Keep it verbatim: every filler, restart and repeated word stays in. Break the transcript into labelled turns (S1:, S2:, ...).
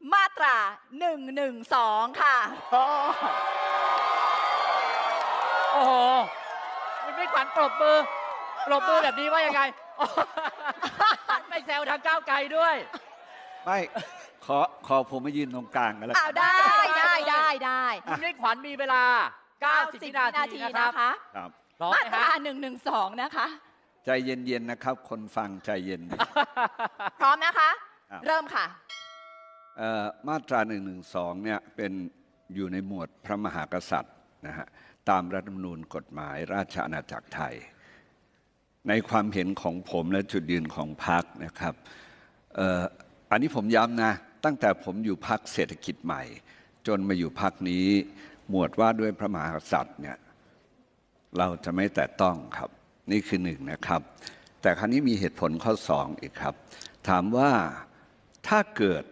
S1: มาตราหนึ่งหนึ่งสองค่ะ
S2: โอ้โหคุณมิ่งขวัญปรบมือปรบมือแบบนี้ว่ายังไงไม่แซวทางก้าวไกลด้วย
S3: ไม่ขอขอผมมายืนตรงกลางกันแล้ว
S1: อ้าวได้ได้ได้ได้
S2: คุณมิ่งขวัญมีเวลาเก้าสิบวินาทีนะครับ
S3: ครับ
S1: มาตราหนึ่งหนึ่งสองนะคะ
S3: ใจเย็นๆนะครับ คนฟังใจเย็น
S1: พร้อมนะคะ
S3: ครับ
S1: เริ่มค่ะ
S3: เอ่อมาตราหนึ่งหนึ่งสองเนี่ยเป็นอยู่ในหมวดพระมหากษัตริย์นะฮะตามรัฐธรรมนูญกฎหมายราชอาณาจักรไทย ในความเห็นของผมและจุดยืนของพรรคนะครับเอ่ออันนี้ผมย้ำนะตั้งแต่ผมอยู่พรรคเศรษฐกิจใหม่ จนมาอยู่พรรคนี้หมวดว่าด้วยพระมหากษัตริย์เนี่ยเราจะไม่แตะต้องครับนี่คือหนึ่งนะครับแต่ครั้นี้มีเหตุผลข้อสองอีกครับถามว่าถ้าเกิด